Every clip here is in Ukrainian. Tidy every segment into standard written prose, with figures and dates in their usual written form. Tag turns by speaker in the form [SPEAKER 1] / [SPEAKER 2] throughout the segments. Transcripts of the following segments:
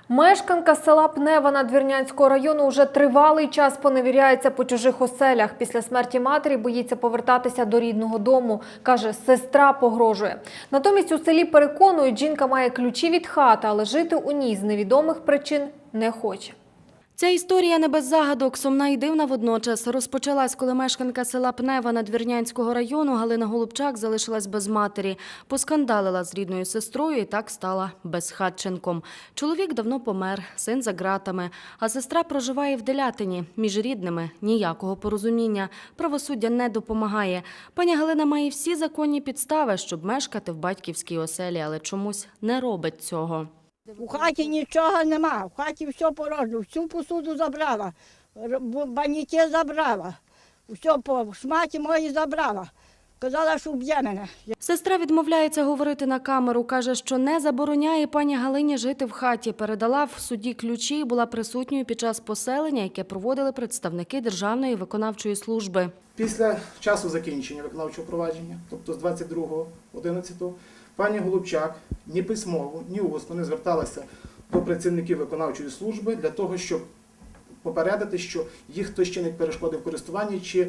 [SPEAKER 1] Мешканка села Пнева Надвірнянського району вже тривалий час поневіряється по чужих оселях. Після смерті матері боїться повертатися до рідного дому. Каже, сестра погрожує. Натомість у селі переконують, жінка має ключі від хати, але жити у ній з невідомих причин не хоче.
[SPEAKER 2] Ця історія не без загадок, сумна і дивна водночас. Розпочалась, коли мешканка села Пнева Надвірнянського району Галина Голубчак залишилась без матері. Поскандалила з рідною сестрою і так стала безхатченком. Чоловік давно помер, син за ґратами, а сестра проживає в Делятині. Між рідними ніякого порозуміння. Правосуддя не допомагає. Пані Галина має всі законні підстави, щоб мешкати в батьківській оселі, але чомусь не робить цього.
[SPEAKER 3] У хаті нічого нема, в хаті все порожньо, всю посуду забрала, баняки забрала, все по шматі мої забрала. Казала, що вб'є мене.
[SPEAKER 2] Сестра відмовляється говорити на камеру, каже, що не забороняє пані Галині жити в хаті. Передала в суді ключі і була присутньою під час поселення, яке проводили представники Державної виконавчої служби.
[SPEAKER 4] Після часу закінчення виконавчого провадження, тобто з 22.11, пані Голубчак ні письмово, ні усно не зверталася до працівників виконавчої служби для того, щоб попередити, що їх хтось чинить перешкоди в користуванні чи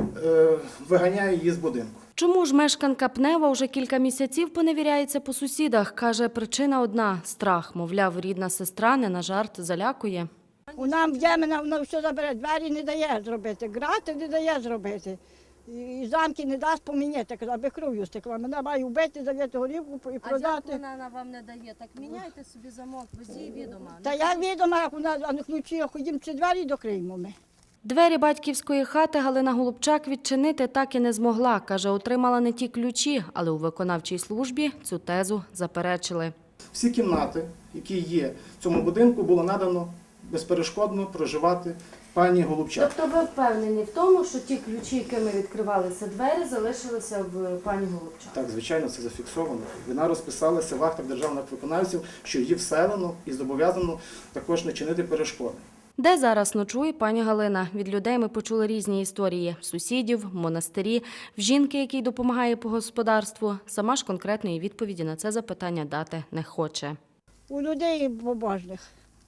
[SPEAKER 4] виганяє її з будинку.
[SPEAKER 2] Чому ж мешканка Пнева вже кілька місяців поневіряється по сусідах? Каже, причина одна – страх. Мовляв, рідна сестра не на жарт залякує.
[SPEAKER 3] Вона вб'є мене, вона все забере, двері не дає зробити, грати не дає зробити. І замки не дасть поміняти, аби кров'ю стекла. Мене має вбити, зав'яти горівку і продати.
[SPEAKER 5] А як вона вам не дає? Так міняйте собі замок, без її відома.
[SPEAKER 3] Та я відома, як вона, а на ключі, ходімо, чи двері докриємо ми.
[SPEAKER 2] Двері батьківської хати Галина Голубчак відчинити так і не змогла. Каже, отримала не ті ключі, але у виконавчій службі цю тезу заперечили.
[SPEAKER 4] Всі кімнати, які є в цьому будинку, було надано безперешкодно проживати пані Голубчак.
[SPEAKER 2] Тобто ви впевнені в тому, що ті ключі, якими відкривалися двері, залишилися в пані Голубчак?
[SPEAKER 4] Так, звичайно, це зафіксовано. Вона розписалася в актах державних виконавців, що її вселено і зобов'язано також не чинити перешкоди.
[SPEAKER 2] Де зараз ночує пані Галина? Від людей ми почули різні історії – сусідів, монастирі, в жінки, якій допомагає по господарству. Сама ж конкретної відповіді на це запитання дати не хоче.
[SPEAKER 3] У людей побожних.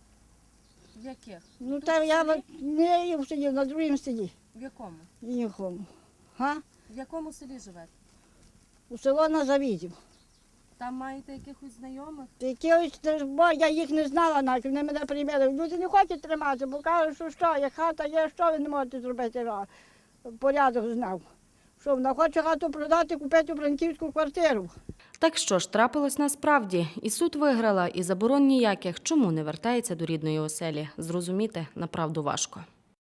[SPEAKER 5] Яких?
[SPEAKER 3] Ну, та я не в селі, на другому селі.
[SPEAKER 5] В якому?
[SPEAKER 3] Нікому. Га?
[SPEAKER 5] В якому селі живете?
[SPEAKER 3] У село на Завідів.
[SPEAKER 5] Там маєте якихось знайомих?
[SPEAKER 3] Бо я їх не знала навіть, вони мене приймали. Люди не хочуть триматися, бо кажуть, що як хата є, що ви не можете зробити, порядок знав. Що вона хоче хату продати, купити франківську квартиру.
[SPEAKER 2] Так що ж, трапилось насправді. І суд виграла, і заборон ніяких. Чому не вертається до рідної оселі? Зрозуміти направду важко.